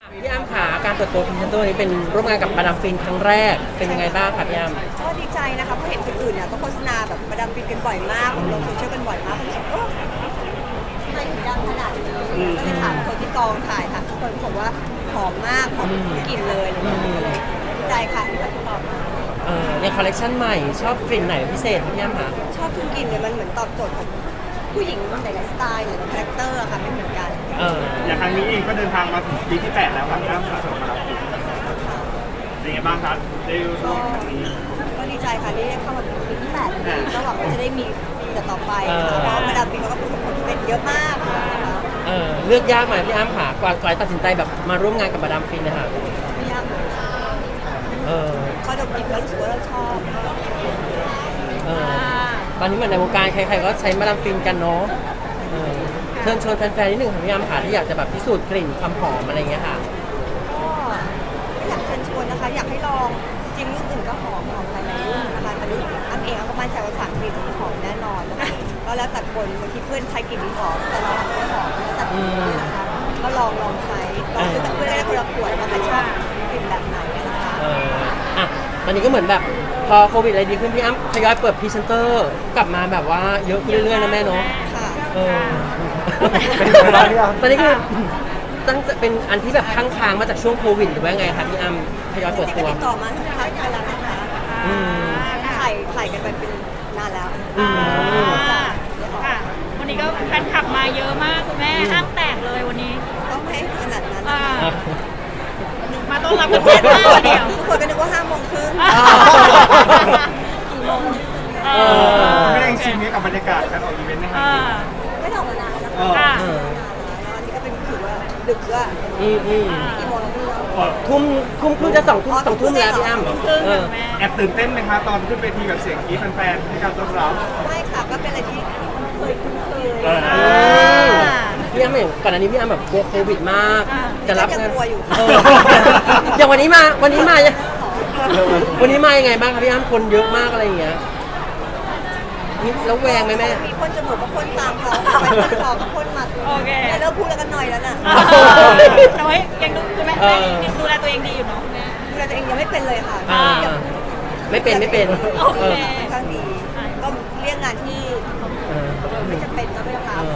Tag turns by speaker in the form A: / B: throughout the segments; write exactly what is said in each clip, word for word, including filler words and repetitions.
A: พี่อ้ำขาการเปิดตัวพรีเซนเตอร์นี้เป็นร่วมงานกับมาดามฟินครั้งแรกเป็นยังไงบ้างคะพี่อ้ำ
B: ก็ดีใจนะคะเพราะเห็นคนอื่นเนี่ยก็โฆษณาแบบมาดามฟินกันบ่อยมากลงโซเชียลกันบ่อยมากผมก็ทำไมถึงดังขนาดนี้ก็เลยถามคนที่กองถ่ายค่ะทุกคนบอกว่าหอมมากหอมทุกกลิ่นเลยก็เลยดีใจค่ะที่เขาตอบมา
A: เออในคอลเลคชันใหม่ชอบกลิ่นไหนพิเศษพี่อ้ำคะ
B: ชอบทุกกลิ่นเลยมันเหมือนตอบโจทย์ของผู้หญิงหลายๆสไตล์หรือคาแรคเตอร์ค่ะไม่เหมือนกัน
A: เออ
C: อย่างครั้งนี้เองก็เดินทางมาถึงปีที่แปดแล้วครับพี่อ้ำสะสมมาแล้วเป็นไงบ้างครับได้ร่วมครั้งนี้
B: ก็ดีใจค่ะที่ได้เข้ามาถึงปีที่แปดก็หวังว่าจะได้มีปีต่อไปนะคะเพราะมาดามฟินเขาก็ประสบผลสำเร็จเยอะมากนะคะ
A: เออเลือกยากไหมพี่อ้ำค่ะก่อนก่อนตัดสินใจแบบมาร่วมงานกับมาดามฟินนะคะ
B: ไม่ยาก
A: เออ
B: พอดมกลิ่นแล้วรู้สึกว่าเราชอบ
A: เออตอนนี้เหมือนในวงการใครๆก็ใช้มาดามฟินกันเนาะเออเชิญชวนแฟนๆนิดหนึ่งค่ะพี่อ้ำค่ะที่อยากจะแบบพิสูจน์กลิ่นความหอมอะไรเงี้ยค่ะ
B: ก็อยากเชิญชวนนะคะอยากให้ลองจริงๆรุ่นอื่นก็หอมหอมหลายๆรุ่นนะคะแต่รุ่นอ้ำเองอ้ำก็มั่นใจว่าสามกลิ่นหอมแน่นอนนะคะก็แล้วแต่คนบางทีเพื่อนใช้กลิ่นหอมแต่เราไม่หอมแล้วแต่คนนะคะก็ลองลองใช้ลองซื้อกับเพื่อนได้คนละขวดว่าใครชอบกลิ่นแบบไหนนะคะ
A: เอออ่ะตอนนี้ก็เหมือนแบบพอโควิดอะไรดีขึ้นพี่อ้ำทยอยเปิดพรีเซนเตอร์กลับมาแบบว่าเยอะขึ้นเรื่อยๆนะแม่เนาะ
B: ค่ะ
A: เออตอนนี้คือตั้งจะเป็นอันที่แบบค้างๆมาจากช่วงโควิดหรือว่าไงคะพี่อ้ำทยอยเปิดตัว
B: ติดต่อมาสักพักไปแล้วนะคะถ่ายถ่ายกันไปเป็นนานแล้ว
D: ค่ะวันนี้ก็แฟนคลับมาเยอะมากคุณแม่ห้างแตกเลยวันนี้
B: ต้องให้ขนาดนั้น
D: มาต้อนรับกันเยอะมากเดียว
B: ทุกคนก็นึกว่าห้าโมงครึ่งกี่โมง
C: ไม่ได้ชิมกับบรรยากาศการออกอีเวนต์นะครับ
B: ไม่ทำมานานแล้วค่ะอันนี้ก็เป็นถือว่าดึกว่า
A: อืมอืม
B: กี่โมงแล้วพี่
A: ทุ่มทุ่มครึ่งจะสองทุ่มสองทุ่มแล้วพี่อ้ำ
C: แอบตื่นเต้นไหมคะตอนขึ้นเวทีแบบเสียงกรี๊ดแฟนๆให้การต้อนรับ
B: ไม่ค่ะก็เป็นอะไรที่เคยคุ้นเคย
A: พี่อ้ำอย่างก่อนอันนี้พี่อ้ำแบบกลัวโควิดมากจะรับงาน
B: อยู่
A: อย่างวันนี้มาวันนี้มาวันนี้มายังไงบ้างครับพี่อ้ำคนเยอะมากอะไรอย่างเงี้ยนี่แล้วแวงไหมแม่
B: มีคนจมูกกับคนตามเขาไปคนคอกับคนมัด
D: โอเค
B: เริ่มพูดแล้วกันหน่อยแล้วน่ะ
D: แต่ว่ายังดูแม่ดูแลตัวเองดีอยู่เนาะ
B: ดูแลตัวเองยังไม่เป็นเลยค่ะ
A: ไม่เป็นไม่เป็น
D: โอเค
B: ค่อนข้างดีก็เรียกงานที่ไม่จำเป็นก็ไม่ต้องรับ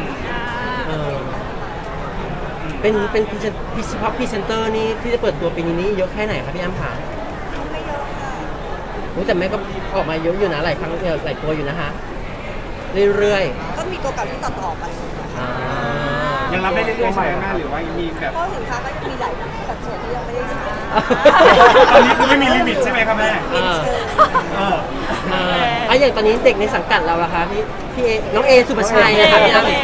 A: เป็นเป็นพรีเซนพรีเฉพาะพรีเซนเตอร์นี่ที่จะเปิดตัวปีนี้เยอะแค่ไหนครับพี่อ้ำขา
B: ไม่เยอะค่ะ
A: รู้แต่แม่ก็ออกมาเยอะอยู่นะหลายครั้งหลายตัวอยู่นะฮะเรื่อย
B: ๆก็มีตัวเก่าที่ต่อต่อไป
C: ยังรับได้เรื่อยๆใช่ไหมหรือว่ามีแบบ
B: เพราะสินค้าก็จะมีหลายสัดส่วนที่ยังไม่ได้ใช้
C: ตอนนี้คือไม่มีลิมิตใช่ไหมครับแม่
A: เออเออไอ้อย่างตอนนี้เด็กในสังกัดเราล่ะคะพี่พี่เอน้องเอสุภชัยนะคะพี่อ้ำ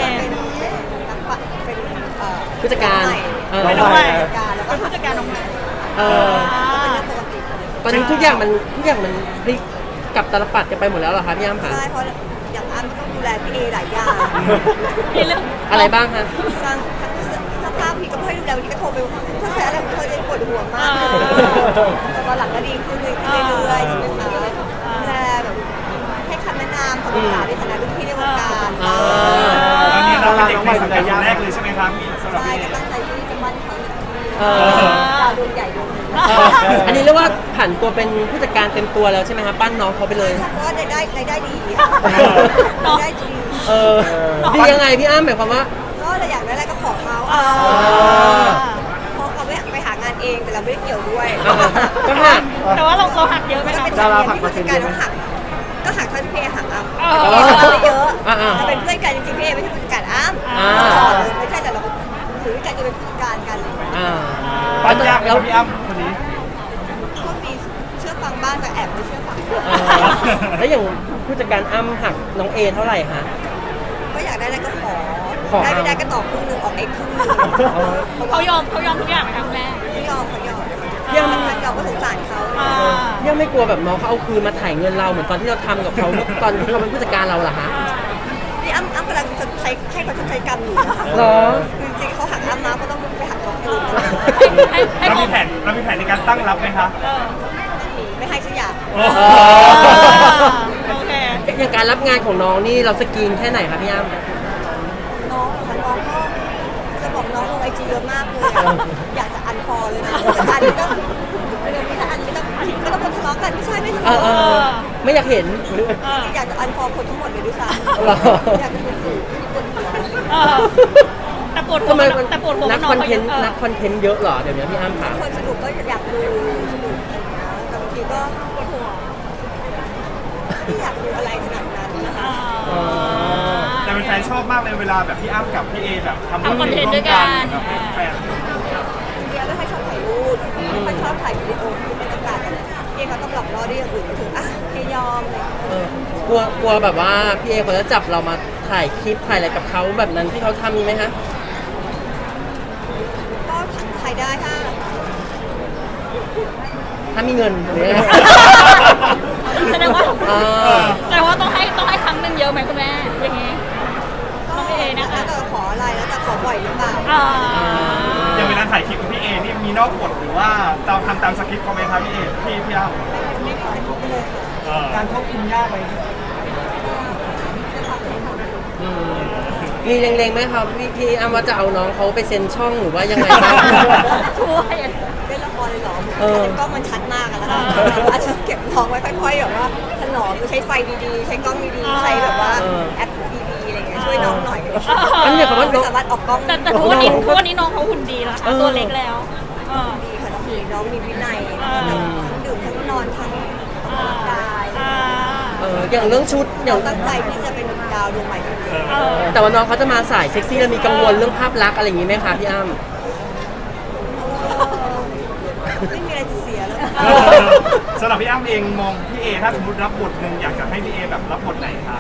A: ผู้จัดการ
D: เป็นน้องใหม่แล้วก็ผู้จัดการน้องใหม่
A: เออตอนนี้ทุกอย่างมันทุกอย่างมันพลิกกับตลปัดกันไปหมดแล้วเหรอคะพี่อ้ำคะ
B: ใช่เพราะอย่างอ้ำต้องดูแลพี่เอหลายอย่าง
A: อะไรบ้างคะ
B: สร้างสภาพพี่ก็ให้ดูแลพี่ก็โทรไปถ้าแพ้อะไรเคยจะปวดหัวมากแต่ตอนหลังก็ดีขึ้นเรื่อยๆใช่ไหมคะดูแลแบบให้คำแนะนำคำปรึกษาในฐานะรุ่นพี่ในวงการ
C: ตอนนี้เราเป็นเด็กในสังกัดแรกเลยใช่ไหมครับพี่สำหรับ
B: พี่
C: ก็
B: ตั้งใจที่จะมั่นเขาดาวดวงใหญ่ดวงนึง
A: อันนี้เรียกว่าผันตัวเป็นผู้จัดการเต็มตัวแล้วใช่ไหมคะปั้นน้องเขาไปเลย
B: เพราะว่าได้ได้ได้ดีได้ดี
A: เออดียังไงพี่อ้ำหมายความว่า
B: ก็เราอยากได้อะไรก็ขอเขาพอเขาไม่ไปหางานเองแต่เราไม่ได้เกี่ยวด้วย
A: ก็หัก
D: แต่ว่าเราเขาหักเยอะไหม
B: คะเป็นการหักผู้จัดการต้องหักก็หักเท่าที่พี่เอหักอ้ำเราเยอะเราเป็นเพื่อนกันจริงๆพี่เอไม่ใช่ผู้จัดการอ้ำไม่ใช่แต่เราถือกันจะเป็นผู้จัดการกัน
C: ปั้นยากแล้วพี่อ้ำคนนี้
B: ก็มีเชื่อฟังบ้างแต่แอบไม่เชื่อฟัง
A: แล้วอย่างผู้จัดการอ้ำหักน้องเอเท่าไหร่คะ
B: ก็อยากได้อะไรก็ขอได้ไม่ได้ก็ตอบครึ่งนึงออกเองครึ่งนึง
D: เขายอมเขายอมทุกอย่างครั้งแรก
B: เขายอมเขายอมยังมันยอมก็สงสารเขา
A: ยังไม่กลัวแบบน้องเขาเอาคืนมาถ่ายเงินเราเหมือนตอนที่เราทำกับเขาตอนที่เขาเป็นผู้จัดการเราเหรอฮะ
B: นี่อ้ำอ้ำกำลังจะใช้ให้เขาชดใช้กรรมอยู่นะคะ
A: หรอ
B: จริงๆเขาหักอ้ำนะก็ต้องไปหักเขาคืน
C: เรามีแผนเรามีแผนในการตั้งรับไหมคะ
B: ไม่ให้สักอย่าง
D: โอเค
A: อย่างการรับงานของน้องนี่เราสกรีนแค่ไหนคะพี่อ้ำ
B: น้องค่ะน้องก็จะบอกน้องลงไอจีเยอะมากเลยอยากจะอันนี้ก็เดี๋ยวมีแต่อันไม่ต้องก็ต้องคนทะเลาะกันไม่ใช่ไม่ทะ
A: เออ
B: เลาะ
A: เออไม่อยากเห็น
D: เออ
B: อยากจะอันฟอร์คนทั้งหมดเลยด้วยซ้
A: หรอ
B: ำอยากจะเป็นสื่อที่คนหัว
D: เออแต่ปวดหัว
A: ทำไมมัน
D: แต่ปวดหัว
A: นัก
D: น้
A: ค
D: อ
A: อง น
D: เขา
A: เท
D: เย
A: น
D: อะ
A: ต์นักคอนเทนต์เยอะเหรอเดี๋ยวนี้พี่อ้ำค่ะ
B: คนสนุกก็อยากดูสนุกอะไรอย่างเงี้ยแต่บางทีก็ปวดหัวไม่อยากดูอะไรขนาดนั้นนะคะ
A: อ๋อ
C: แต่เป็นแฟนชอบมากเลยเวลาแบบพี่อ้ำกับพี่เอแบบทำ
D: ทำคอนเทนต์ด้วยกัน
C: แบบแฟน
B: เดียไม่ค่อยชอบถ่ายรูปไม่ค่อยชอบถ่ายวิดีโอคือบรรยากาศอะไรเดียเขาต้องหลอกล่อด้วยอย่างอื่นก็ถึงอ่ะเอยอมเลย
A: เออกลัวกลัวแบบว่าพี่เอเขาจะจับเรามาถ่ายคลิปถ่ายอะไรกับเขาแบบนั้นที่เขาทำมีไหมคะ
B: ก็ถ่ายได้ถ้า
A: ถ้ามีเงินหรือยังไง
D: แสดงว่า
A: อ่า
D: แสดงว่าต้องให้ต้องให้ครั้งหนึ่งเยอะไหมคุณแม่อย่างงี้
B: ก็
D: น้องเอนะคะ
B: แล้วแต่ขออะไรแล้วแต่ขอบ่อยหรือเปล่า
D: อ่า
C: อย่างเวลาถ่ายคลิปกับพี่เอนี่มีนอกบทหรือว่าเราทำตามสคริปต์เขาไหมครับพี่เอพี่พี่อ้ำ
B: ไม่มีใครรู้เลยค่ะ
C: เออ
E: การควบคุมยากไหม
A: อืมมีเล็งๆไหมครับพี่พี่อ้ำว่าจะเอาน้องเขาไปเซ็นช่องหรือว่ายังไงบ้าง
D: ช่วย
B: เล่นละครเลยเหรอ
A: เออ
B: แต่กล้องมันชัดมากอะนะคะอาจจะเก็บน้องไว้ค่อยๆแบบว่าถนอมใช้ไฟดีๆ ใช้กล้องดีๆ ใช้แบบว่าแอปดีๆอะไรเงี้ยช่วยน้องหน่อย
A: อันนี้คำว่าน้
B: ไม่
A: อง
B: สามารถออกกล้อง
D: แต่แต่ทุกวันนี้ทุกวันนี้น้องเขาหุ่นดีแล้วค่ะ
A: เออ
D: ตัวเล็กแล้วเออ
B: ดีค่ะน้องมีน้องมีวินัย
D: อ่า
B: ทั้งดื่มทั้งนอนทั้งออกกำลังกาย
D: อ่า
A: เอออย่างเรื่องชุดอย่า
B: เรา
A: ง
B: ตั้งใจที่จะเป็นดาวดวงใหม่จริง
D: เออ
A: แต่ว่าน้องเขาจะมาสายเซ็กซี่แล้วมีกังวลเรื่องภาพลักษณ์อะไรอย่างนี้ไหมคะพี่อ้ำ
B: ๆไม่มีอะไรจะเสียแล้ว
D: เออ
C: สำหรับพี่อ้ำเองมองพี่เอถ้าสมมติรับบทหนึ่งอยากจะให้พี่เอแบบรับบทไหนครับ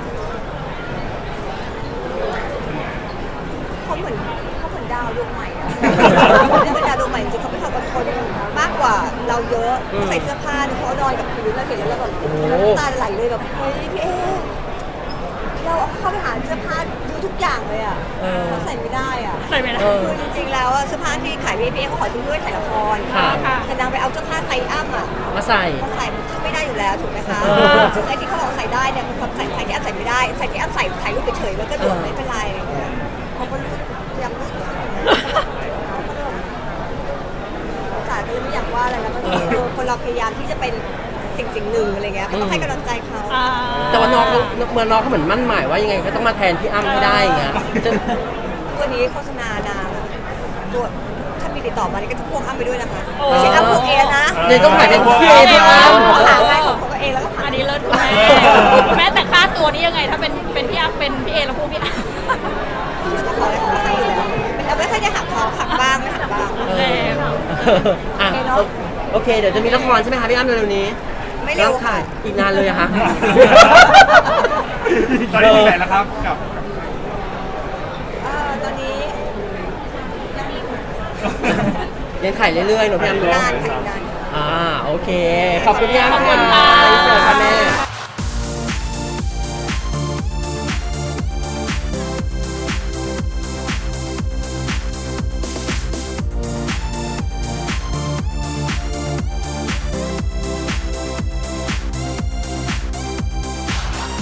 B: เขาเหมือนเขาเหมือนดาวดวงใหม่อะเขาเป็นดาวดวงใหม่จริงๆเขาเป็นเขาเป็นคนมากกว่าเราเยอะเขาใส่เสื้อผ้าเขานอนกับพื้นเราเห็นแล้วเราแบบน้ำตาไหลเลยแบบเฮ้ยพี่เอเราเข้าไปหาเสื้อผ้าดูทุกอย่างเลยอ่ะ
A: เออ
B: เขาใส่ไม่ได้อ่ะ
D: ใส่ไม่ได้
A: เออ
B: คือจริงๆแล้วอะเสื้อผ้าที่ขายพี่เอเขาขอซื้อด้วยถ่ายละคร
A: ค่ะ
D: ค่ะ
B: แต่นางไปเอาเสื้อผ้าไซส์อ้ำอ่ะ
A: มาใส่
B: มาใส่มันซึ่งไม่ได้อยู่แล้วถูกไหมคะ
A: เออ
B: ซึ่งไอ้ที่เขาบอกใส่ได้เนี่ยคือเขาใส่ใส่ที่อ้ำใส่ไม่ได้ใส่ที่อ้ำใส่ถ่ายรูปเฉยๆมันก็หลวมไม่เป็นไรอะไรเงี้ยเขาก็รู้พยายามรู้สึกสายก็เลยไม่อยากว่าอะไรแล้วก็คือคนเราพยายามที่จะเป็นสิ่งสิ่งหนึ่งอะไรเงี้ยก็ต้องให้กำลังใจเขา
D: อ่า
A: แต่ว่าน้องเขาเมื่อน้องเขาเหมือนมั่นหมายว่ายังไงก็ต้องมาแทนพี่อ้ำให้ได้อย่างเงี้ยจะ
B: ตัวนี้โฆษณานานอะตัวถ้ามีติดต่อมานี่ก็จะพ่วงอ้ำไปด้วยนะคะ
D: โอ้
B: ไม่ใช่อ้ำพวกเอนะ
A: เลยต้องถ่ายเป็นพี่เอพี่อ้ำ
B: เขาหาง่ายของเขาเองแล้วก็ผ่า
D: อั
B: น
D: นนี้เลิศคุณแม่คุณแม่แต่ค่าตัวนี้ยังไงถ้าเป็นเป็นพี่อัพเป็นพี่เอแล้วพูดพี่อัพ
B: เขาจะขออะไรเขาก็ให้อยู่แล้วแต่ไม่ค่อยได้หักเขาหักบ้างไม่หักบ้าง
A: เอออ่ะโอเค เดี๋ยวจะมีละครใช่ไหมคะพี่อ้ำเร็วๆนี้
B: ไม่เร็ว
A: ถ่า
B: ค่ะ
A: ยอีกนานเลยอะคะ
C: ตอนนี้ถึงไหนแล้วครับกับ
B: เอ่อตอนนี้ยังมี
A: ยังถ่ายเรื่อยๆหนูพี่อ้ำเนอะ
B: นานค่ะนาน
A: อ่าโอเค ขอบคุณพี่อ้ำ
D: ขอบคุณ
A: ค่ะ
D: ค่ะ
A: สวัสดีค่ะแม่